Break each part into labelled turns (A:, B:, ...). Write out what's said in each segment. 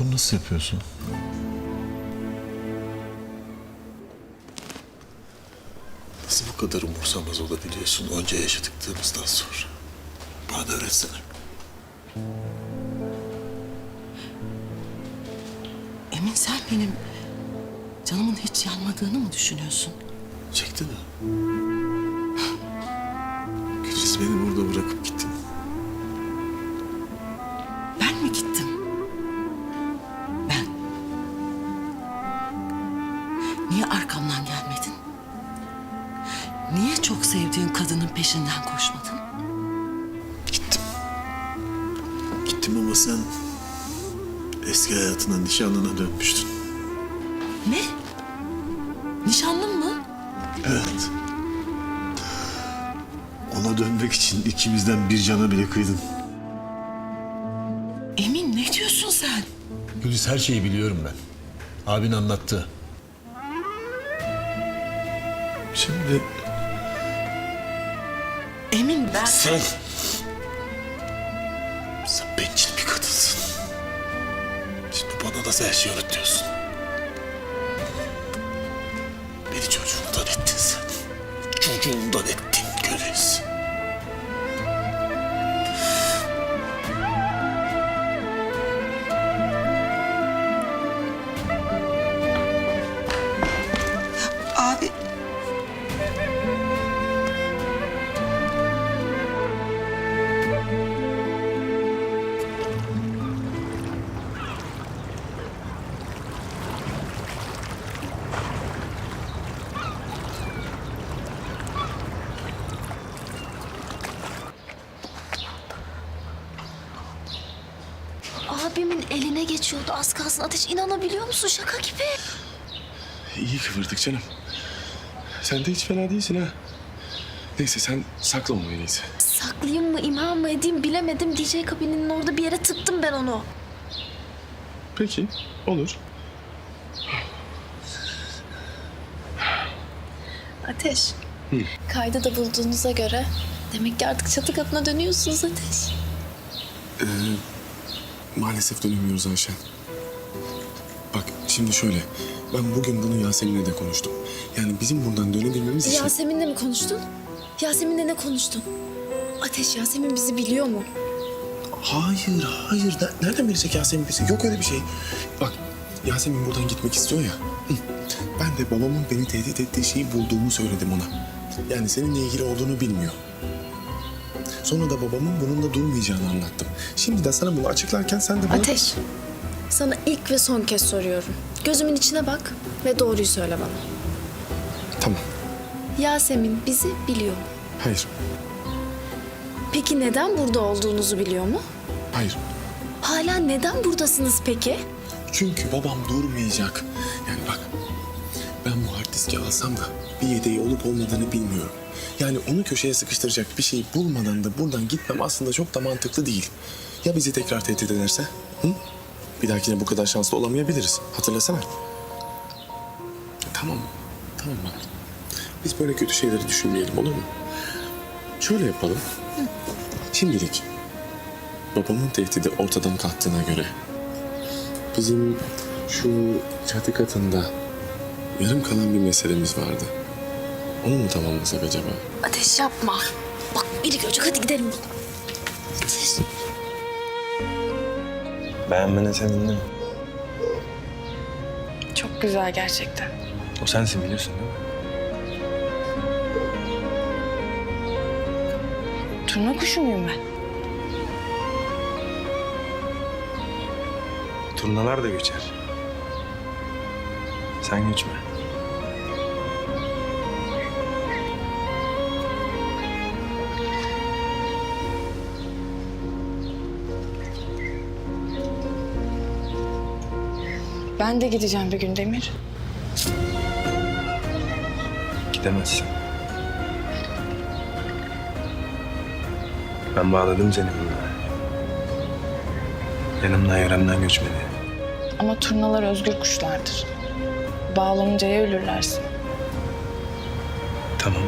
A: Bunu nasıl yapıyorsun? Nasıl bu kadar umursamaz olabiliyorsun onca yaşadıklarımızdan sonra? Bana da öğretsene.
B: Emin, sen benim canımın hiç yanmadığını mı düşünüyorsun?
A: Çekti mi? Güliz beni burada bırakıp gittin.
B: Ben mi gittim? Ben. Niye arkamdan gelmedin? Niye çok sevdiğin kadının peşinden koşmadın?
A: Gittim. Gittim ama sen eski hayatına, nişanlına dönmüştün.
B: Ne? Nişanlın mı?
A: Evet. Ona dönmek için ikimizden bir cana bile kıydın.
B: Emin, ne diyorsun sen?
A: Güliz, her şeyi biliyorum ben. Abin anlattı. Şimdi
B: Emin, ben...
A: sen bencil bir kadınsın. Şimdi bana da her şeyi öğretiyorsun. Beni çocuğundan ettin sen. Çocuğundan ettin Güliz.
B: Abi...
C: Abimin eline geçiyordu az kalsın. Ateş, inanabiliyor musun? Şaka gibi.
D: İyi kıvırdık canım. Sen de hiç fena değilsin ha. Neyse sen sakla onu en iyisi.
C: Saklayayım mı, imha mı edeyim bilemedim. DJ kabininin orada bir yere tıktım ben onu.
D: Peki olur.
C: Ateş. Kaydı da bulduğunuza göre demek ki artık çatı katına dönüyorsunuz Ateş.
D: Maalesef dönemiyoruz Ayşen. Bak şimdi şöyle. Ben bugün bunu Yasemin'le de konuştum. Yani bizim buradan dönebilmemiz için...
C: Yasemin'le mi konuştun? Yasemin'le ne konuştun? Ateş, Yasemin bizi biliyor mu?
D: Hayır, hayır. Nereden bilecek Yasemin bizi? Yok öyle bir şey. Bak, Yasemin buradan gitmek istiyor ya. Hı. Ben de babamın beni tehdit ettiği şeyi bulduğumu söyledim ona. Yani seninle ilgili olduğunu bilmiyor. Sonra da babamın bununla durmayacağını anlattım. Şimdi de sana bunu açıklarken sen de bana...
C: Ateş, sana ilk ve son kez soruyorum. Gözümün içine bak ve doğruyu söyle bana.
D: Tamam.
C: Yasemin bizi biliyor mu?
D: Hayır,
C: Peki neden burada olduğunuzu biliyor mu?
D: hayır.
C: Hala neden buradasınız peki?
D: Çünkü babam durmayacak. Yani bak, ben bu hard diski alsam da bir yedeği olup olmadığını bilmiyorum. Yani onu köşeye sıkıştıracak bir şey bulmadan da buradan gitmem aslında çok da mantıklı değil. Ya bizi tekrar tehdit ederse? Hı? Bir dahakine bu kadar şanslı olamayabiliriz. Hatırlasana. Tamam, tamam bak. Biz böyle kötü şeyleri düşünmeyelim, olur mu? Şöyle yapalım. Şimdilik babamın tehdidi ortadan kalktığına göre bizim şu çatı katında yarım kalan bir meselemiz vardı. Onu mu tamamlasak acaba?
C: Ateş, yapma. Bak biri görecek, hadi gidelim. Ateş.
E: Beğenmene sevindim.
F: Çok güzel gerçekten.
E: O sensin biliyorsun değil mi?
F: Turna kuşu muyum ben?
E: Turnalar da göçer. Sen göçme.
F: Ben de gideceğim bir gün Demir.
E: Gidemezsin. Ben bağladım seni bununla. Yanımdan yaramdan göçmedi.
F: Ama turnalar özgür kuşlardır. Bağlanıncaya ölürlersin.
E: Tamam.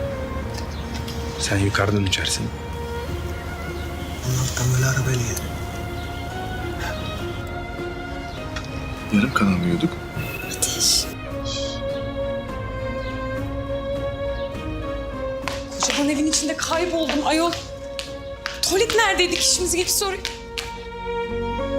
E: Sen yukarıdan uçarsın. Ondan tam öyle arabayla gelir.
D: Yarım kalamıyorduk.
C: Ateş.
G: Kocaman evin içinde kayboldum ayol. Tuvalet neredeydi ki şimdi gelip soruyor.